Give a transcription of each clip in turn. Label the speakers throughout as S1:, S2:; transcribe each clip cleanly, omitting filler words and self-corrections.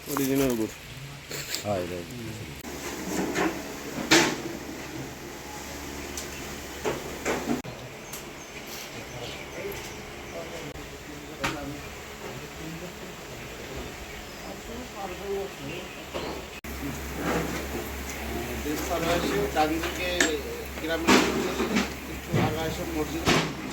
S1: Original গুড়।
S2: হয়
S1: ডান দিকে গ্রামের একটু আগায় সব মসজিদ।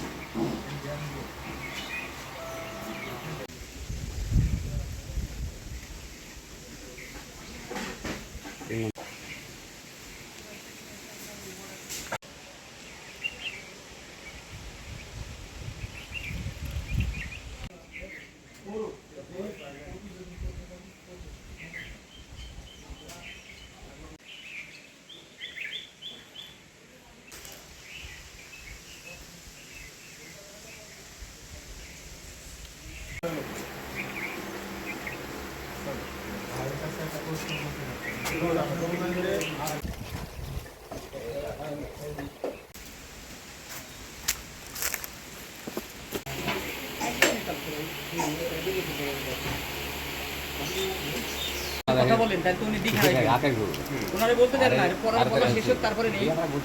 S3: কথা বলেন তাহলে তো উনি দেখাই ওনারে বলতে দেন না পড়ার কথা শেষ হোক তারপরে নেই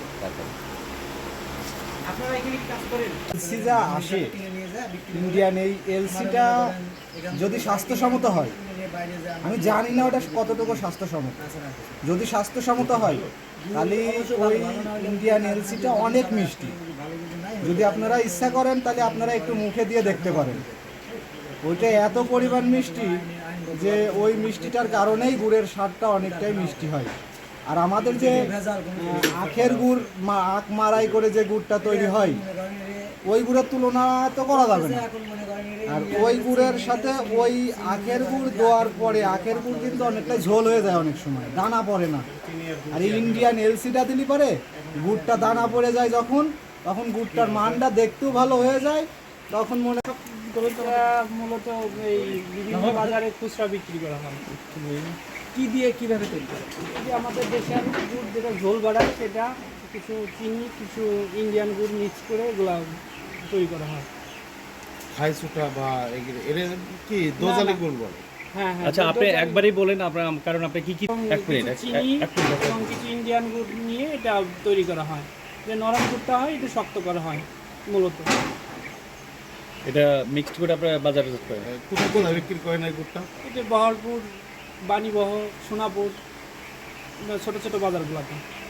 S3: আপনারা এখানে কি কাজ করেন
S4: এলসি যা আসে ইন্ডিয়ান এই এলসিটা যদি স্বাস্থ্যসম্মত হয়, আমি জানি না ওটা কতটুকু স্বাস্থ্যসম্মত। যদি স্বাস্থ্যসম্মত হয় তাহলে ওই ইন্ডিয়ান এলসিটা অনেক মিষ্টি। যদি আপনারা ইচ্ছা করেন তাহলে আপনারা একটু মুখে দিয়ে দেখতে পারেন। ওইটা এত পরিমাণ মিষ্টি যে ওই মিষ্টিটার কারণেই গুড়ের স্বাদটা অনেকটাই মিষ্টি হয়। আর আমাদের যে আখের গুড় আখ মারাই করে যে গুড়টা তৈরি হয় ওই গুড়ের তুলনা তো করা যাবে না। আর ওই গুড়ের সাথে ওই আখের গুড় দেওয়ার পরে আখের গুড় কিন্তু অনেকটাই ঝোল হয়ে যায়, অনেক সময় দানা পড়ে না। আর ইন্ডিয়ান এলসিটা দিলে পরে গুড়টা দানা পড়ে যায় যখন, তখন গুড়টার মানটা দেখতেও ভালো হয়ে যায়। তখন মনে
S3: মূলত এই বিভিন্ন বাজারে খুচরা বিক্রি করা হয়। কি দিয়ে কিভাবে তৈরি করে? যে আমাদের দেশের গুড় যেটা ঝোল বাড়ায় সেটা কিছু চিনি কিছু ইন্ডিয়ান গুড় মিক্স করে এগুলা তৈরি করা হয়।
S1: খাই সুটা বা এর কি দোজালি গুড় বলে।
S3: হ্যাঁ হ্যাঁ।
S2: আচ্ছা আপনি একবারই বলেন আপনার, কারণ আপনি কি এক মিনিট
S3: চিনি এবং কিছু ইন্ডিয়ান গুড় নিয়ে এটা তৈরি করা হয়। যে নরম গুড়টা হয় এটা শক্ত করা হয় মূলত।
S2: এটা মিক্সড করে আপনারা বাজারে করেন?
S1: কোথায় কোথায় বিক্রি করেন এই গুড়টা?
S3: এটা বহরপুর, বাণীবহ, সোনাপুর, ছোটো ছোটো বাজারগুলোতে।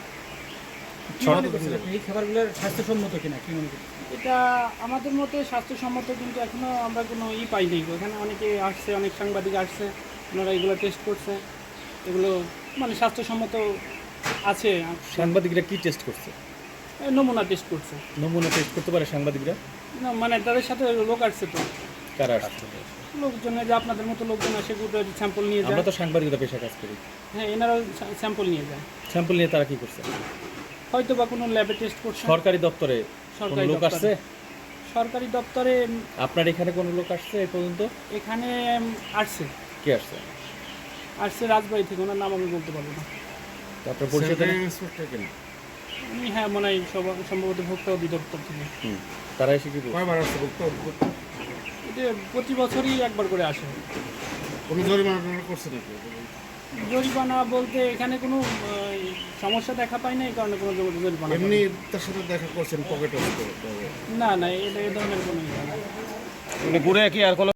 S4: এই খাবারগুলোর স্বাস্থ্যসম্মত কিনা কি মনে করি?
S3: এটা আমাদের মতে স্বাস্থ্যসম্মত, কিন্তু এখনও আমরা কোনো পাইনি। এখানে অনেকে আসছে, অনেক সাংবাদিক আসছে, ওনারা এগুলো টেস্ট করছে। এগুলো মানে স্বাস্থ্যসম্মত আছে।
S2: সাংবাদিকরা কি টেস্ট করছে?
S3: নমুনা টেস্ট করছে।
S2: নমুনা টেস্ট করতে পারে সাংবাদিকরা?
S3: না মানে তাদের সাথে লোক আসছে তো।
S2: কারা আসছে?
S3: লোকজন, যে আপনাদের মতো লোকজন আসে, গুড়ের স্যাম্পল নিয়ে যায়।
S2: আমরা তো সাংবাদিকতা পেশা কাজ করি।
S3: হ্যাঁ, এনারাও স্যাম্পল নিয়ে যায়।
S2: স্যাম্পল নিয়ে তারা কি করছে?
S3: হয়তো বা কোনো ল্যাবে টেস্ট করছে।
S2: সরকারি দপ্তরে কোনো লোক আসছে?
S3: সরকারি দপ্তরে
S2: আপনার এখানে কোনো লোক আসছে এই পর্যন্ত?
S3: এখানে আসছে।
S2: কে আসছে?
S3: আসছে রাজবাড়ি থেকে, ওনার নাম আমি বলতে পারবো না।
S2: তারপরে পরিষদ
S3: আমি হ্যাঁ মনে হয় সম্ভবত ভোক্তা অধিদপ্তর থেকে।
S2: তারা এসে কি
S1: কয়বার আসছে ভোক্তা?
S3: এটা প্রতি বছরই একবার করে আসে।
S1: কোনো জরিমানা করছে নাকি?
S3: জরিমানা বলতে এখানে কোনো সমস্যা দেখা পাই না, এই কারণে কোনো জরিমানা।
S1: এমনি তার সাথে দেখা করছেন পকেটে?
S3: না না, এটা এই ধরনের কোনো
S2: গুড়ে কি আর